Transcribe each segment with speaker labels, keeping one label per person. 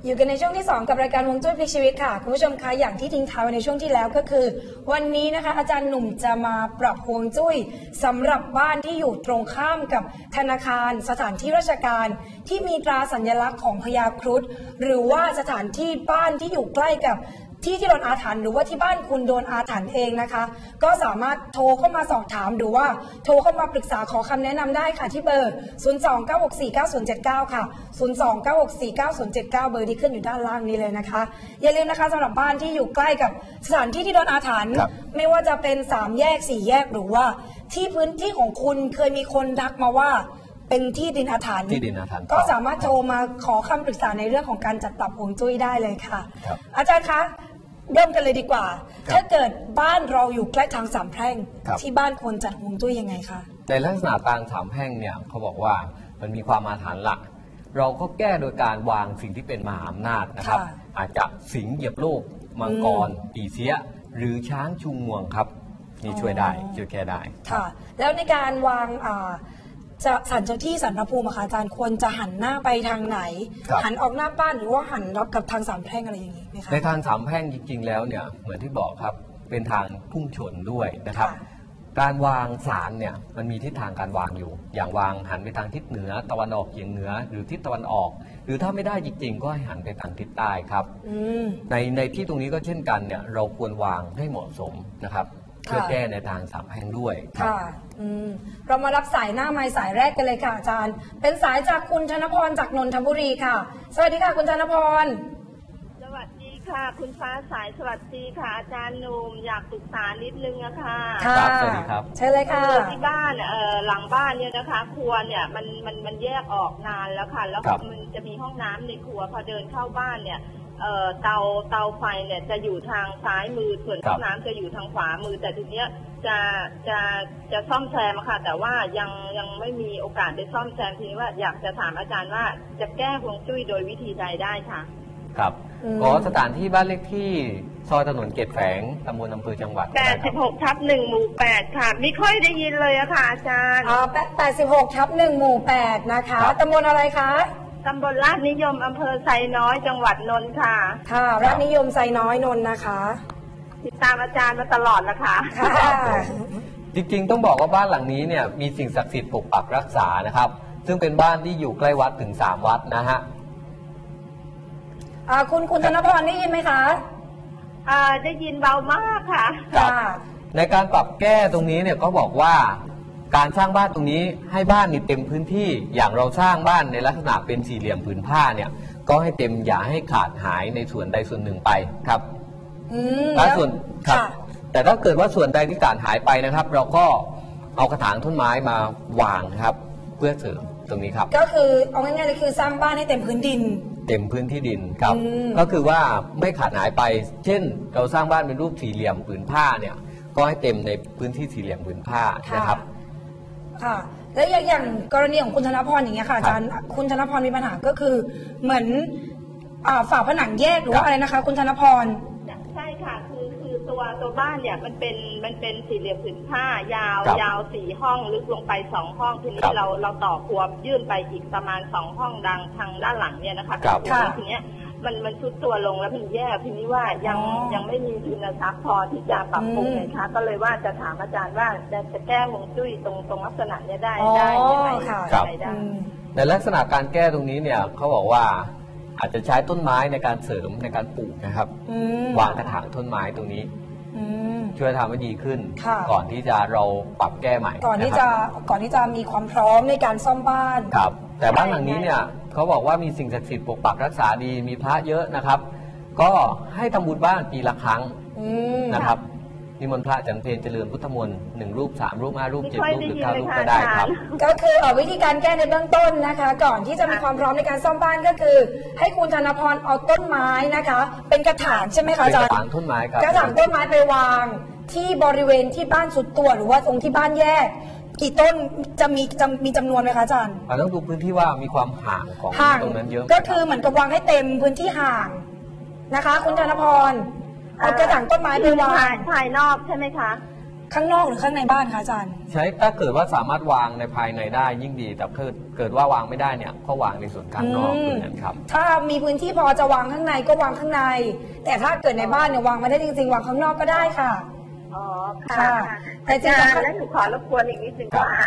Speaker 1: อยู่กันในช่วงที่2กับรายการฮวงจุ้ยพลิกชีวิตค่ะคุณผู้ชมคะอย่างที่ทิ้งท้ายไว้ในช่วงที่แล้วก็คือวันนี้นะคะอาจารย์หนุ่มจะมาปรับฮวงจุ้ยสำหรับบ้านที่อยู่ตรงข้ามกับธนาคารสถานที่ราชการที่มีตราสัญลักษณ์ของพญาครุฑหรือว่าสถานที่บ้านที่อยู่ใกล้กับที่โดนอาถรรพ์หรือว่าที่บ้านคุณโดนอาถรรพ์เองนะคะก็สามารถโทรเข้ามาสอบถามหรือว่าโทรเข้ามาปรึกษาขอคำแนะนำได้ค่ะที่เบอร์ 029649079 ค่ะ 029649079 เบอร์ที่ขึ้นอยู่ด้านล่างนี้เลยนะคะอย่าลืมนะคะสำหรับบ้านที่อยู่ใกล้กับสถานที่ที่โดนอาถรรพ์ไม่ว่าจะเป็น3แยก4แยกหรือว่าที่พื้นที่ของคุณเคยมีคนทักมาว่าเป็นที่ดินอาถรรพ์ก็สามารถโทรมาขอคำปรึกษาในเรื่องของการจัดปรับฮวงจุ้ยได้เลยค่ะอาจารย์คะเริ่มกันเลยดีกว่าถ้าเกิดบ้านเราอยู่ใกล้ทางสามแพร่งที่บ้านควรจัดฮวงจุ้ยยังไงคะ
Speaker 2: ในลักษณะทางสามแพร่งเนี่ยเขาบอกว่ามันมีความอาถรรพ์หลักเราก็แก้โดยการวางสิ่งที่เป็นมหาอำนาจนะครับอาจจะสิงห์เหยียบโลกมังกรปีเสียหรือช้างชูงวงครับนี่ช่วยได้ช่วยแก้ได้
Speaker 1: ค่ะแล้วในการวางจะศาลเจ้าที่ศาลพระภูมิอาจารย์ควรจะหันหน้าไปทางไหนหันออกหน้าบ้านหรือว่าหันรับกับทางสามแพร่งอะไรอย่างนี้ไหมคะ
Speaker 2: ในทางสามแพร่งจริงๆแล้วเนี่ยเหมือนที่บอกครับเป็นทางพุ่งชนด้วยนะครับการวางศาลเนี่ยมันมีทิศทางการวางอยู่อย่างวางหันไปทางทิศเหนือตะวันออกเฉียงเหนือหรือทิศตะวันออกหรือถ้าไม่ได้จริงๆก็ให้หันไปทางทิศใต้ครับในที่ตรงนี้ก็เช่นกันเนี่ยเราควรวางให้เหมาะสมนะครับเพื่อแก้ในทางสามแพร่งด้วย
Speaker 1: ค่ะเรามารับสายหน้าไมค์สายแรกกันเลยค่ะอาจารย์เป็นสายจากคุณธนพรจากนนทบุรีค่ะสวัสดีค่ะคุณธนพร
Speaker 3: สวัสดีค่ะคุณฟ้าสายสวัสดีค่ะอาจารย์หนุ่มอยากปรึกษานิดนึงอะค่ะ
Speaker 2: ครับสวัสดีครับ
Speaker 1: ใช่เลยค่ะ
Speaker 3: ที่บ้านหลังบ้านเนี่ยนะคะครัวเนี่ยมันแยกออกนานแล้วค่ะแล้วมันจะมีห้องน้ำในครัวพอเดินเข้าบ้านเนี่ยเตาไฟเนี่ยจะอยู่ทางซ้ายมือส่วนห้องน้ำจะอยู่ทางขวามือแต่ทีเนี้ยจะซ่อมแซมค่ะแต่ว่ายังไม่มีโอกาสได้ซ่อมแซมทีนี้ว่าอยากจะถามอาจารย์ว่าจะแก้ฮวงจุ้ยโดยวิธีใดได้ค่ะ
Speaker 2: ครับก็สถานที่บ้านเลขที่ซอยถนนเกตแฝงตำบลอำเภอจังหวัด
Speaker 3: 86/1 หมู่ 8ค่ะไม่ค่อยได้ยินเลยอะค่ะอาจารย์
Speaker 1: 86/1 หมู่ 8นะคะตำบลอะไรคะ
Speaker 3: ตำบลลาดนิยมอำเภอไซน้อยจังหวัดนนท์ค่ะ
Speaker 1: ค่ะลาดนิยมไซน้อยนนท์นะคะ
Speaker 3: ติดตามอาจารย์มาตลอดนะคะ
Speaker 2: จริงๆต้องบอกว่าบ้านหลังนี้เนี่ยมีสิ่งศักดิ์สิทธิ์ปกปักรักษานะครับซึ่งเป็นบ้านที่อยู่ใกล้วัดถึง3วัดนะฮะ
Speaker 1: คุณธนพรได้ยินไหมคะ
Speaker 3: ได้ยินเบามากค่ะ
Speaker 2: ในการปรับแก้ตรงนี้เนี่ยก็บอกว่าการสร้างบ้านตรงนี้ให้บ้านนี่เต็มพื้นที่อย่างเราสร้างบ้านในลักษณะเป็นสี่เหลี่ยมผืนผ้าเนี่ยก็ให้เต็มอย่าให้ขาดหายในส่วนใดส่วนหนึ่งไปครับถ้าส่วนครับแต่ถ้าเกิดว่าส่วนใดที่ขาดหายไปนะครับเราก็เอากระถางต้นไม้มาวางครับเพื่อเสริมตรงนี้ครับ
Speaker 1: ก็คือเอาง่ายๆเลยคือสร้างบ้านให้เต็มพื้นดิน
Speaker 2: เต็มพื้นที่ดินครับก็คือว่าไม่ขาดหายไปเช่นเราสร้างบ้านเป็นรูปสี่เหลี่ยมผืนผ้าเนี่ยก็ให้เต็มในพื้นที่สี่เหลี่ยมผืนผ้านะครับ
Speaker 1: ค่ะแล้วอย่างกรณีของคุณธนพรอย่างเงี้ยค่ะอาจารย์คุณธนพรมีปัญหาก็คือเหมือนฝาผนังแยกหรือว่าอะไรนะคะคุณธนพร
Speaker 3: ใช่ค่ะคือตัวบ้านเนี่ยมันเป็นสี่เหลี่ยมผืนผ้ายาว4 ห้องลึกลงไป2 ห้องทีนี้เราต่อครัวยื่นไปอีกประมาณ2 ห้องดังทางด้านหลังเนี่ยนะคะทีเนี้ยมันชุดตัวลงแล้วมันแย่ทีนี้ว่ายังไม่มีทุนทรัพย์พอที่จะปรับปรุงนะคะก็เลยว่าจะถามอาจารย์ว่าจะแก้ฮวงจุ้ยตรงลักษณะนี้ได้ยังไงได้
Speaker 2: ในลักษณะการแก้ตรงนี้เนี่ยเขาบอกว่าอาจจะใช้ต้นไม้ในการเสริมในการปลูกนะครับวางกระถางต้นไม้ตรงนี้ช่วยทำให้ดีขึ้นก่อนที่จะเราปรับแก้ใหม่
Speaker 1: ก่อนที่จะมีความพร้อมในการซ่อมบ้าน
Speaker 2: ครับแต่บ้านหลังนี้เนี่ยเขาบอกว่ามีสิ่งศักดิ์สิทธิ์ปกปักรักษาดีมีพระเยอะนะครับก็ให้ทำบุญบ้านปีละครั้งนะครับนิมนต์พระฉันเพลเจริญพุทธมนต์1 รูป3 รูป5 รูป7 รูปหรือ9 รูปก็ได้ครับ
Speaker 1: ก็คือวิธีการแก้ในเบื้องต้นนะคะก่อนที่จะมีความพร้อมในการซ่อมบ้านก็คือให้คุณธนพรเอาต้นไม้นะคะเป็นกระถางใช่ไหมคะอาจารย์
Speaker 2: กระถางต้นไม้ครับ
Speaker 1: กระถางต้นไม้ไปวางที่บริเวณที่บ้านสุดตัวหรือว่าตรงที่บ้านแยกกี่ต้นจะมีจำนวนไหมคะอาจารย์
Speaker 2: ต้องดูพื้นที่ว่ามีความห่างของตรงนั้นเยอะ
Speaker 1: ก็คือเหมือนกับวางให้เต็มพื้นที่ห่างนะคะคุณธนพรเอากระถางต้นไม้ไปวาง
Speaker 3: ภายนอกใช่ไหมคะ
Speaker 1: ข้างนอกหรือข้างในบ้านคะอาจารย์
Speaker 2: ใช้ถ้าเกิดว่าสามารถวางในภายในได้ยิ่งดีแต่เกิดว่าวางไม่ได้เนี่ยก็วางในส่วนข้างนอกเหมือนกันครับ
Speaker 1: ถ้ามีพื้นที่พอจะวางข้างในก็วางข้างในแต่ถ้าเกิดในบ้านเนี่ยวางไม่ได้จริงๆวางข้างนอกก็ได้ค่ะ
Speaker 3: อ๋อค่ะแต่จริงๆแล้วหนูขอรบกวนอีกนิดนึงว่า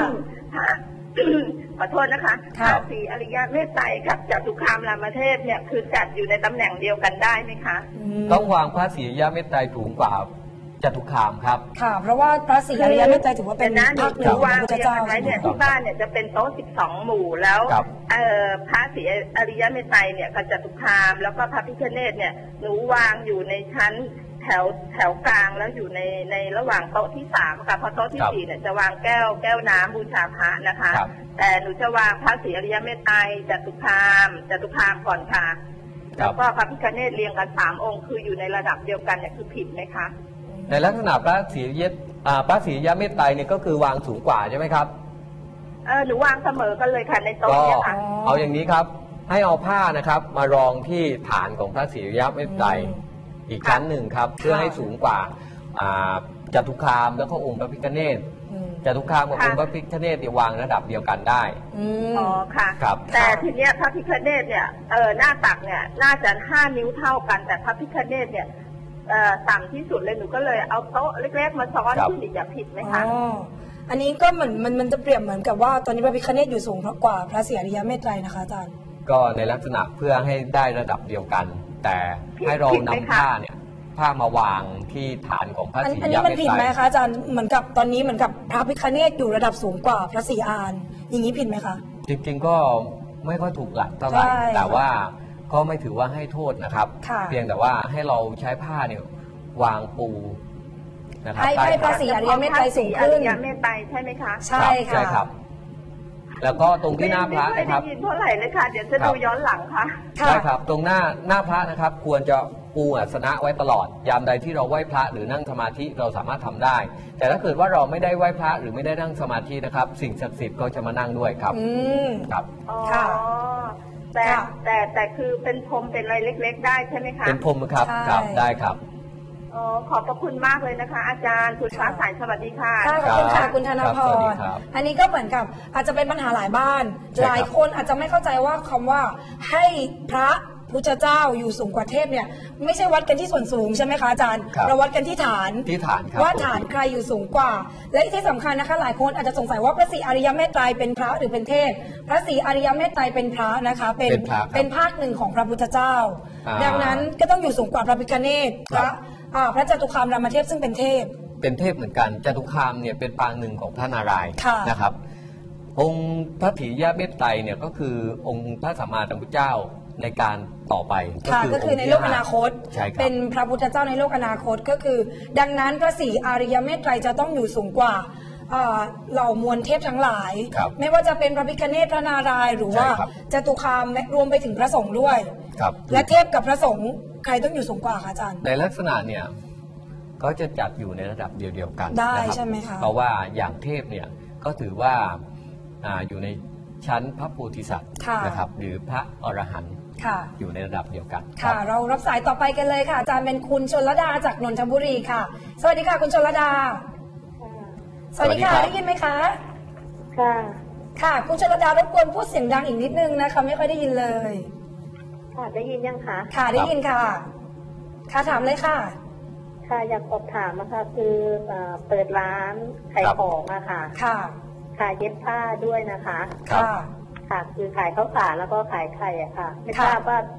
Speaker 3: ขอโทษนะคะพระศรีอริยเมตไตรกับจตุคามรามเทพเนี่ยคือจัดอยู่ในตำแหน่งเดียวกันได้ไหมคะ
Speaker 2: ต้องวางพระศรีอริยเมตไตรสูงกว่าจตุคามครับ
Speaker 1: ค่ะเพราะว่าพระศรีอริยเมตไตรถือว่าเป็น
Speaker 3: พระหนึ่งวางเรียงกันไว้เนี่ยที่บ้านเนี่ยจะเป็นโต๊ะ12 หมู่แล้วพระศรีอริยเมตไตรเนี่ยกับจตุคามแล้วก็พระพิฆเนศเนี่ยหนูวางอยู่ในชั้นแถวกลางแล้วอยู่ในระหว่างโต๊ะที่3ค่ะเพราะโต๊ะที่4เนี่ยจะวางแก้วน้ำบูชาพระนะคะแต่หนูจะวางพระศรีอริยเมตไตรจตุคามก่อนค่ะแล้วก็พระพิฆเนศเรียงกัน3 องค์คืออยู่ในระดับเดียวกันเนี่ยคือผิดไหมคะ
Speaker 2: ในลักษณะพระศรีอริยเมตไตรเนี่ยก็คือวางสูงกว่าใช่ไหมครับ
Speaker 3: หนูวางเสมอกันเลยค่ะในโต๊ะเนี่ยค่ะ
Speaker 2: เอาอย่างนี้ครับให้เอาผ้านะครับมารองที่ฐานของพระศรีอริยเมตไตรอีกชั้นหนึ่งครับเพื่อให้สูงกว่าจตุคามแล้วก็องค์พระพิฆเนศจตุคามกับองค์พระพิฆเนศวางระดับเดียวกันได้
Speaker 3: อ๋อค่ะครับแต่ทีเนี้ยพระพิฆเนศเนี่ยหน้าตักเนี่ยน่าจะ5 นิ้วเท่ากันแต่พระพิฆเนศเนี่ยต่ำที่สุดเลยหนูก็เลยเอาโต๊ะเล็กๆมาซ้อนขึ้นอีกจะผิดไหมคะ
Speaker 1: อันนี้ก็เหมือนมันจะเปรียบเหมือนกับว่าตอนนี้พระพิฆเนศอยู่สูงกว่าพระศรีอริยเมตไตรนะคะอาจารย์
Speaker 2: ก็ในลักษณะเพื่อให้ได้ระดับเดียวกันแต่ให้เรานำผ้ามาวางที่ฐานของพระศรีอริยเมตไตรอันนี้
Speaker 1: มันผิดไหมคะอาจารย์เหมือนกับตอนนี้เหมือนกับพระพิฆเนศอยู่ระดับสูงกว่าพระศรีอานอย่างนี้ผิดไหมคะ
Speaker 2: จริงๆก็ไม่ค่อยถูกหลักเท่าไหร่แต่ว่าก็ไม่ถือว่าให้โทษนะครับเพียงแต่ว่าให้เราใช้ผ้าเนี่ยวางปู
Speaker 1: นะครับให้พระศรีอริยเมตไตรสูงขึ้น
Speaker 3: อริยเมตไตรใช่ไหมคะ
Speaker 1: ใช่ค่ะ
Speaker 2: ครับแล้วก็ตรงที่หน้าพระนะครับ
Speaker 3: ไม่ได้ยินเท่าไหร่เลยค่ะเดี๋ยวจะดูย้อนหลังค่ะ
Speaker 2: ใช่ครับตรงหน้าพระนะครับควรจะปูอาสนะไว้ตลอดยามใดที่เราไหว้พระหรือนั่งสมาธิเราสามารถทำได้ แต่ถ้าเกิดว่าเราไม่ได้ไหว้พระหรือไม่ได้นั่งสมาธินะครับสิ่งศักดิ์สิทธิ์ก็จะมานั่งด้วยครับครับ
Speaker 3: ค่ะแต่คือเป็นพรมเป็นอะไรเล็กๆได้ใช่ไหมคะ
Speaker 2: เป็นพรมครับได้ครับ
Speaker 3: ขอบพระคุณมากเลยนะคะอาจารย์คุณฟ้าใสสวัสดีค่ะ
Speaker 1: ขอบคุณค่ะคุณธนพรอันนี้ก็เหมือนกับอาจจะเป็นปัญหาหลายบ้านหลายคนอาจจะไม่เข้าใจว่าคำว่าให้พระพุทธเจ้าอยู่สูงกว่าเทพเนี่ยไม่ใช่วัดกันที่ส่วนสูงใช่ไหมคะอาจารย์เราวัดกันที่ฐานว่าฐานใครอยู่สูงกว่าและที่สำคัญนะคะหลายคนอาจจะสงสัยว่าพระศรีอริยเมตไตรเป็นพระหรือเป็นเทพพระศรีอริยเมตไตรเป็นพระนะคะเป็นภาคหนึ่งของพระพุทธเจ้าดังนั้นก็ต้องอยู่สูงกว่าพระพิฆเนศพระจตุคามรามเทพซึ่งเป็นเทพ
Speaker 2: เหมือนกันจตุคามเนี่ยเป็นปางหนึ่งของพระนารายณ์นะครับองค์พระศรีอริยเมตไตรเนี่ยก็คือองค์พระสัมมาสัมพุทธเจ้าในการต่อไป
Speaker 1: ก็คือในโลกอนาคตเป็นพระพุทธเจ้าในโลกอนาคตก็คือดังนั้นพระศรีอริยเมตไตรจะต้องอยู่สูงกว่าเหล่ามวลเทพทั้งหลายไม่ว่าจะเป็นพระพิฆเนศพระนารายณ์หรือว่าจตุคามรวมไปถึงพระสงฆ์ด้วยและเทพกับพระสงฆ์ใครต้องอยู่สูงกว่าคะอาจารย์
Speaker 2: ในลักษณะเนี่ยก็จะจัดอยู่ในระดับเดียวกัน
Speaker 1: ได้ใช่ไหมคะ
Speaker 2: เพราะว่าอย่างเทพเนี่ยก็ถือว่าอยู่ในชั้นพระโพธิสัตว์นะครับหรือพระอรหันต์อยู่ในระดับเดียวกัน
Speaker 1: ค่ะเรารับสายต่อไปกันเลยค่ะอาจารย์เป็นคุณชลดาจากนนทบุรีค่ะสวัสดีค่ะคุณชลดาสวัสดีค่ะได้ยินไหมคะค่ะคุณชลดารบกวนพูดเสียงดังอีกนิดนึงนะคะไม่ค่อยได้ยินเลย
Speaker 3: ค่ะได้ยินยังคะ
Speaker 1: ค่ะได้ยินค่ะค่ะถามเลยค่ะ
Speaker 3: ค่ะอยากสอบถามนะคะคือเปิดร้านขายของอะค่ะค่ะเย็บผ้าด้วยนะคะค่ะคือขายข้าวสารแล้วก็ขายไข่อะค่ะไม่ทราบว่า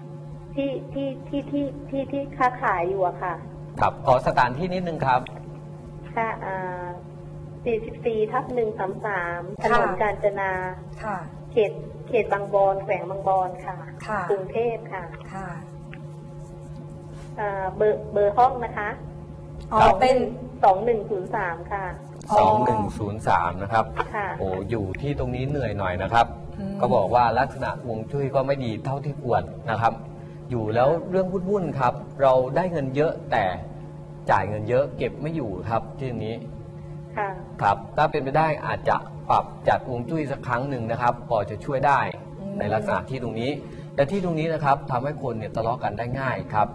Speaker 3: ที่ค้าขายอยู่อะค่ะ
Speaker 2: ครับขอสถานที่นิดนึงครับ
Speaker 3: ค่ะ44/133ถนนกาญจนาเขตบางบอนแขวงบางบอนค่ะกรุงเทพค่ะเบอร์ห้องนะคะ
Speaker 1: เป็น
Speaker 3: 2103ค่ะ
Speaker 2: 2103นะครับโอ้อยู่ที่ตรงนี้เหนื่อยหน่อยนะครับก็บอกว่าลักษณะฮวงจุ้ยก็ไม่ดีเท่าที่ควรนะครับอยู่แล้วเรื่องวุ่นๆครับเราได้เงินเยอะแต่จ่ายเงินเยอะเก็บไม่อยู่ครับที่นี้ครับถ้าเป็นไปได้อาจจะปรับจัดฮวงจุ้ยสักครั้งหนึ่งนะครับพอจะช่วยได้ในลักษณะที่ตรงนี้แต่ที่ตรงนี้นะครับทำให้คนเนี่ยทะเลาะกันได้ง่ายครับ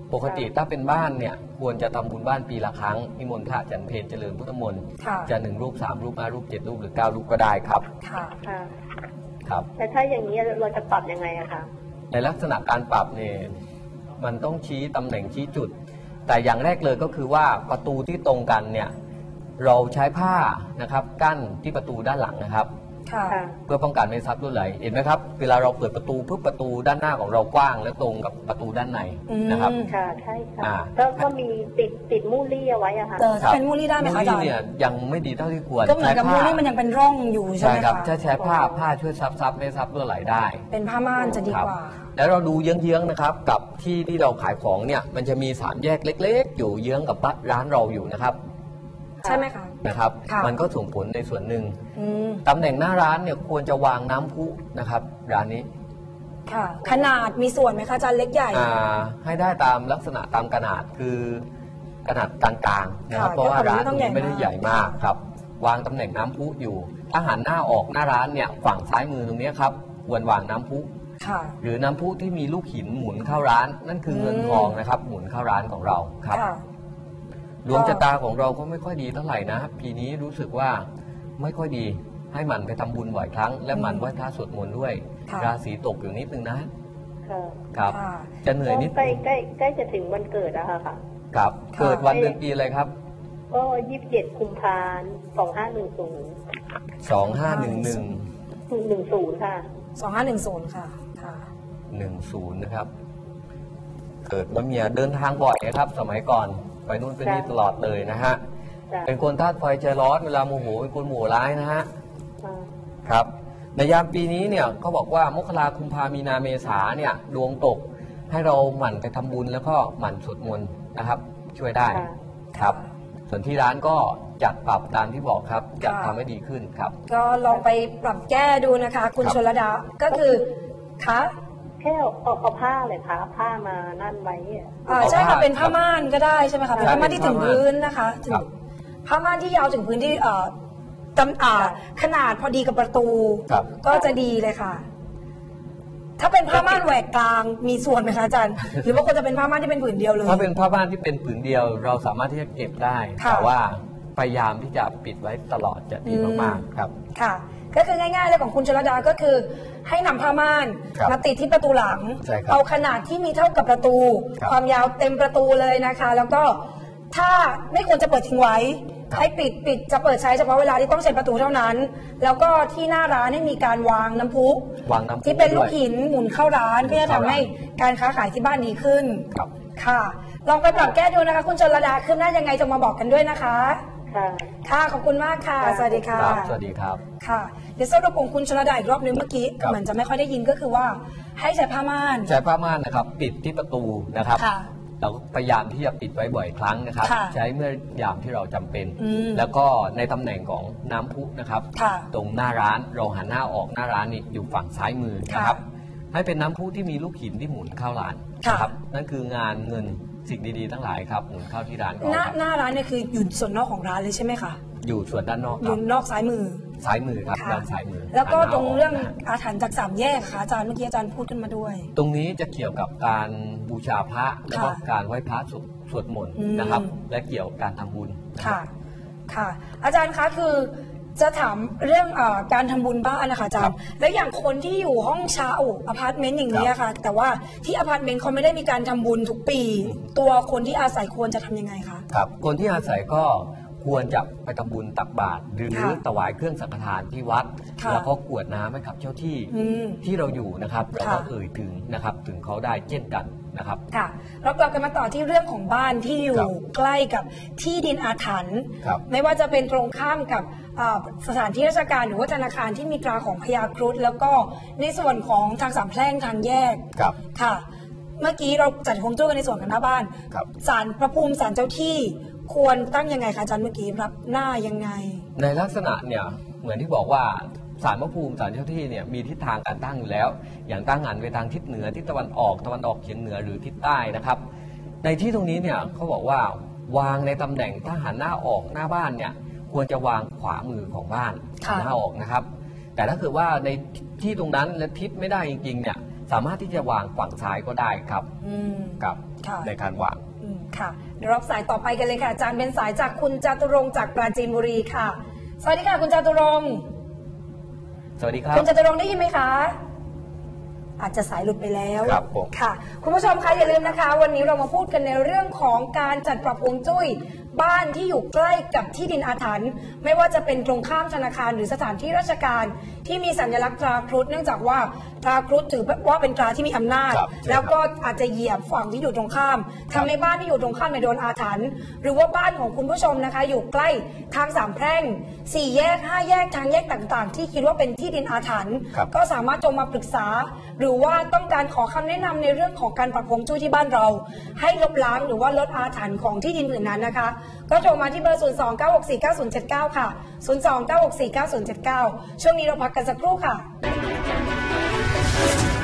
Speaker 2: ปกติถ้าเป็นบ้านเนี่ยควรจะทำบุญบ้านปีละครั้งนิมนต์พระอาจารย์เพลเจริญพุทธมนต์
Speaker 1: ค่ะ
Speaker 2: จะ1 รูป 3 รูป 5 รูป 7 รูปหรือ 9 รูปก็ได้ครับ
Speaker 1: ค่ะ
Speaker 4: ค่ะ
Speaker 2: ครับ
Speaker 4: แต่ถ้าอย่างนี้เราจะปรับยังไงอะคะ
Speaker 2: ในลักษณะการปรับเนี่ยมันต้องชี้ตำแหน่งชี้จุด แต่อย่างแรกเลยก็คือว่าประตูที่ตรงกันเนี่ยเราใช้ผ้านะครับกั้นที่ประตูด้านหลังนะครับ
Speaker 1: ค่ะ
Speaker 4: ค่ะ
Speaker 2: เพื่อป้องกันไม่ให้ทรัพย์รั่วไหลเห็นไหมครับเวลาเราเปิดประตูปุ๊บประตูด้านหน้าของเรากว้างและตรงกับประตูด้านในนะครับ
Speaker 4: ค่ะใช่ค่ะ
Speaker 2: อ่า
Speaker 4: ก็มีติดมูลลี่เอาไว้อะค่ะ
Speaker 1: ถ้าเป็นมูลลี่ได้ไหมคะอาจารย์
Speaker 2: เนี่ยยังไม่ดีเท่าที่ควร
Speaker 1: ก็เหมือนกับมูลลี่มันยังเป็นร่องอยู่ใช่
Speaker 2: ใช่
Speaker 1: ไหม
Speaker 2: ครับ
Speaker 1: คะ
Speaker 2: ถ้าใช้ผ้าช่วยซับไม่ให้ทรัพย์รั่วไหลได้
Speaker 1: เป็นผ้าม่านจะดี
Speaker 2: ครับ
Speaker 1: กว่า
Speaker 2: แล้วเราดูเยื้องๆนะครับกับที่เราขายของเนี่ยมันจะมี3 แยกเล็กๆ อยู่เยื้องกับร้านเราอยู่นะครับ
Speaker 1: ใช่ไหมคะ
Speaker 2: นะครับ
Speaker 1: ค่ะ
Speaker 2: มันก็ส่งผลในส่วนหนึ่ง
Speaker 1: อืม
Speaker 2: ตำแหน่งหน้าร้านเนี่ยควรจะวางน้ำพุนะครับร้านนี้
Speaker 1: ค่ะ ขนาดมีส่วนไหมคะอาจารย์เล็กใหญ่
Speaker 2: ให้ได้ตามลักษณะตามขนาดคือขนาดกลางๆนะครับ
Speaker 1: ค่ะ
Speaker 2: เพราะว่าร้าน
Speaker 1: ก็
Speaker 2: ตรงนี้ไม่ได้ใหญ่มากครับวางตำแหน่งน้ำพุอยู่ถ้าหันหน้าออกหน้าร้านเนี่ยฝั่งซ้ายมือตรงนี้ครับควรวางน้ำพุ
Speaker 1: ค่ะ
Speaker 2: หรือน้ำพุที่มีลูกหินหมุนเข้าร้าน นั่นคือเงินทองนะครับหมุนเข้าร้านของเราครับ
Speaker 1: ค่ะ
Speaker 2: ดวงชะตาของเราก็ไม่ค่อยดีเท่าไหร่นะปีนี้รู้สึกว่าไม่ค่อยดีให้มันไปทำบุญบ่อยครั้ง และมันไหว้พระสวดมนต์ด้วย
Speaker 1: ค่ะ
Speaker 2: ราศีตกอยู่นิดนึงนะ
Speaker 4: ค่ะ
Speaker 2: ครับ
Speaker 1: ค่ะ
Speaker 2: จะเหนื่อยนิด
Speaker 4: ใกล้จะถึงวันเกิดแล้วค่ะ
Speaker 2: ครับ
Speaker 1: ค่ะ
Speaker 2: เกิดวันเดือนปีอะไรครับ
Speaker 4: ก็27 กุมภาพันธ์2510
Speaker 2: 2511
Speaker 4: ค่ะ
Speaker 1: 2510 ค่ะ ค่ะ
Speaker 2: 10นะครับ เกิดว่าเมียเดินทางบ่อยนะครับ สมัยก่อนไปนู่นไปนี่ตลอดเลยนะฮะ
Speaker 4: จ้ะ
Speaker 2: เป็นคนธาตุไฟใจร้อนเวลาโมโหเป็นคนโมโหร้ายนะฮะ
Speaker 4: ค่ะ
Speaker 2: ครับในยามปีนี้เนี่ยเขาบอกว่ามกราคุมภามีนาเมษาเนี่ยดวงตกให้เราหมั่นไปทำบุญแล้วก็หมั่นสวดมนต์นะครับ ช่วยได้
Speaker 4: ค่ะ
Speaker 2: ครับ ส่วนที่ร้านก็จัดปรับตามที่บอกครับจะ
Speaker 1: ค่ะ
Speaker 2: ทำให้ดีขึ้นครับ
Speaker 1: ก็ลองไปปรับแก้ดูนะคะ คุณ
Speaker 2: ครับ
Speaker 1: ชลดา ก็คือคะ
Speaker 4: แค่เอาผ้าเลยค่ะผ้ามานั่นไว้อะ
Speaker 1: ใช่ค่ะ
Speaker 2: เอาผ้า
Speaker 1: เป็นผ้าม่านก็ได้ใช่ไหมคะ เป็นผ้าม่านที่ถึงพื้นนะคะถึง
Speaker 2: ครับ
Speaker 1: ผ้าม่านที่ยาวถึงพื้นที่ขนาดพอดีกับประตู
Speaker 2: ครับ
Speaker 1: ก็จะดีเลยค่ะ ถ้าเป็นผ้าม่านแหวกกลางมีส่วนไหมคะอาจารย์ หรือว่าควรจะเป็นผ้าม่านที่เป็นผืนเดียวเลย
Speaker 2: ถ้าเป็นผ้าบ้านที่เป็นผืนเดียว เราสามารถที่จะเก็บได้
Speaker 1: ค่ะ
Speaker 2: แต่ว่าพยายามที่จะปิดไว้ตลอดจะดีมากๆครับ
Speaker 1: ค่ะ ก็คือง่ายๆเลยของคุณชลดาก็คือ ให้นำผ้าม่าน
Speaker 2: ครับ
Speaker 1: มาติดที่ประตูหลัง
Speaker 2: ใช่ครับ
Speaker 1: เอาขนาดที่มีเท่ากับประตู
Speaker 2: ครับ
Speaker 1: ความยาวเต็มประตูเลยนะคะ แล้วก็ถ้าไม่ควรจะเปิดทิ้งไว้ ให้ปิดจะเปิดใช้เฉพาะเวลาที่ต้องใช้ประตูเท่านั้น แล้วก็ที่หน้าร้านให้มีการวางน้ำพุ
Speaker 2: วางน้ำพุ
Speaker 1: ที่เป็นลูก
Speaker 2: ด้วย
Speaker 1: หินหมุนเข้าร้านเพื่อจะทำให้การค้าขายที่บ้านดีขึ้น
Speaker 2: ครับ
Speaker 1: ค่ะ ลองไปปรับแก้ดูนะคะ คุณชลดาขึ้นหน้ายังไงจะมาบอกกันด้วยนะคะ
Speaker 4: ค่ะ
Speaker 1: ค่ะขอบคุณมากค่ะ
Speaker 4: ค่ะ
Speaker 1: สวัสดีค่ะ
Speaker 2: ครับสวัสดีครับ
Speaker 1: ค่ะ เดี๋ยวสรุปของคุณชลดาอีกรอบนึงเมื่อกี้
Speaker 2: ครับ
Speaker 1: เหมือนจะไม่ค่อยได้ยินก็คือว่าให้ใช้ผ้าม่าน
Speaker 2: ใช้ผ้าม่านนะครับปิดที่ประตูนะครับ
Speaker 1: ค่ะ
Speaker 2: เราก็พยายามที่จะปิดไว้บ่อยครั้งนะครับ
Speaker 1: ค่ะ
Speaker 2: ใช้เมื่อยามที่เราจำเป็น
Speaker 1: อืม
Speaker 2: แล้วก็ในตำแหน่งของน้ำพุนะครับ
Speaker 1: ค่ะ
Speaker 2: ตรงหน้าร้านเราหันหน้าออกหน้าร้านนี่อยู่ฝั่งซ้ายมือนะครับ ให้เป็นน้ำพุที่มีลูกหินที่หมุนเข้าร้าน
Speaker 1: ค่ะ
Speaker 2: นะครับนั่นคืองานเงินสิ่งดีๆทั้งหลายครับหมุนเข้าที่ร้านของ
Speaker 1: หน้า
Speaker 2: เรา
Speaker 1: หน้าร้านเนี่ยคืออยู่ส่วนนอกของร้านเลยใช่ไหมคะ
Speaker 2: อยู่ส่วนด้านนอก
Speaker 1: อ
Speaker 2: ครั
Speaker 1: ยู่
Speaker 2: บ
Speaker 1: นอกซ้ายมือ
Speaker 2: ซ้ายมือครับ
Speaker 1: ค่ะ
Speaker 2: ด้านซ้ายมือ
Speaker 1: แล้วก็
Speaker 2: หันหน้า
Speaker 1: ตรงเรื่อง
Speaker 2: กนะ
Speaker 1: อาถรรพ์จากสามแยกค่ะอาจารย์เมื่อกี้อาจารย์พูดขึ้นมาด้วย
Speaker 2: ตรงนี้จะเกี่ยวกับการบูชาพระแล้วก็
Speaker 1: ค่ะ
Speaker 2: การไหว้พระสวดมนต์
Speaker 1: อืม
Speaker 2: นะครับ และเกี่ยวกับการทำบุญนะครั
Speaker 1: ค่ะ
Speaker 2: บ
Speaker 1: ค่ะ อาจารย์คะคือจะถามเรื่องการทำบุญบ้านนะคะอาจาร
Speaker 2: ครั
Speaker 1: ย์
Speaker 2: บ
Speaker 1: แล้วอย่างคนที่อยู่ห้องเช่าอพาร์ตเมนต์อย่างนี้
Speaker 2: ครับ
Speaker 1: อะค่ะ แต่ว่าที่อพาร์ตเมนต์เขาไม่ได้มีการทำบุญทุกปี ตัวคนที่อาศัยควรจะทำยังไงคะ
Speaker 2: ครับคนที่อาศัยก็ควรจะไปทำบุญตักบาตรหรือ
Speaker 1: ค่ะ
Speaker 2: ถวายเครื่องสังฆทานที่วัด
Speaker 1: ค่ะ
Speaker 2: แล้วก็กรวดน้ำให้กับเจ้าที่
Speaker 1: อืม
Speaker 2: ที่เราอยู่นะครับเราก็
Speaker 1: ค่ะ
Speaker 2: เอ่ยถึงนะครับถึงเขาได้เช่นกันนะครับ
Speaker 1: ค่ะเรากลับกันมาต่อที่เรื่องของบ้านที่อยู่
Speaker 2: ครับ
Speaker 1: ใกล้กับที่ดินอาถรรพ์
Speaker 2: ครับ
Speaker 1: ไม่ว่าจะเป็นตรงข้ามกับสถานที่ราชการหรือว่าธนาคารที่มีตราของพญาครุฑแล้วก็ในส่วนของทางสามแพร่งทางแยก
Speaker 2: ครับ
Speaker 1: ค่ะ เมื่อกี้เราจัดฮวงจุ้ยกันในส่วนของหน้าบ้าน
Speaker 2: ครับ
Speaker 1: ศาลพระภูมิศาลเจ้าที่ควรตั้งยังไงคะอาจารย์เมื่อกี้รับหน้ายังไง
Speaker 2: ในลักษณะเนี่ยเหมือนที่บอกว่าศาลพระภูมิศาลเจ้าที่เนี่ยมีทิศทางการตั้งอยู่แล้ว อย่างตั้งหันไปทางทิศเหนือทิศตะวันออกเฉียงเหนือหรือทิศใต้นะครับ ในที่ตรงนี้เนี่ยเขาบอกว่าวางในตำแหน่งถ้าหันหน้าออกหน้าบ้านเนี่ยควรจะวางขวามือของบ้าน
Speaker 1: ค่ะ
Speaker 2: หน้าออกนะครับ แต่ถ้าเกิดว่าในที่ตรงนั้นและทิศไม่ได้จริงๆเนี่ยสามารถที่จะวางฝั่งซ้ายก็ได้ครับ
Speaker 1: อืม
Speaker 2: ครับ
Speaker 1: ค่ะ
Speaker 2: ในการวาง
Speaker 1: ค่ะเดี๋ยวรับสายต่อไปกันเลยค่ะอาจารย์เป็นสายจากคุณจตุรงค์จากปราจีนบุรีค่ะสวัสดีค่ะคุณจตุรงค์
Speaker 2: สวัสดีครับ
Speaker 1: คุณจตุรงค์ได้ยินไหมคะอาจจะสายหลุดไปแล้ว
Speaker 2: ครับผม
Speaker 1: ค่ะคุณผู้ชมคะอย่าลืมนะคะ วันนี้เรามาพูดกันในเรื่องของการจัดปรับฮวงจุ้ยบ้านที่อยู่ใกล้กับที่ดินอาถรรพ์ไม่ว่าจะเป็นตรงข้ามธนาคารหรือสถานที่ราชการที่มีสัญลักษณ์ตราครุฑเนื่องจากว่าตราครุฑถือว่าเป็นตราที่มีอำนาจ
Speaker 2: ครับ
Speaker 1: แล้วก็อาจจะเหยียบฝั่งที่อยู่ตรงข้ามทำให้บ้านที่อยู่ตรงข้ามโดนอาถรรพ์หรือว่าบ้านของคุณผู้ชมนะคะ อยู่ใกล้ทางสามแพร่ง4 แยก 5 แยกทางแยกต่างๆ ที่คิดว่าเป็นที่ดินอาถรรพ์
Speaker 2: ครับ
Speaker 1: ก็สามารถโทรมาปรึกษา หรือว่าต้องการขอคำแนะนำในเรื่องของการปรับฮวงจุ้ยที่บ้านเรา ให้ลบล้างหรือว่าลดอาถรรพ์ของที่ดินผืนนั้นนะคะ ก็โทรมาที่เบอร์ 029649079 ค่ะ 029649079 ช่วงนี้เราพักกันสักครู่ค่ะ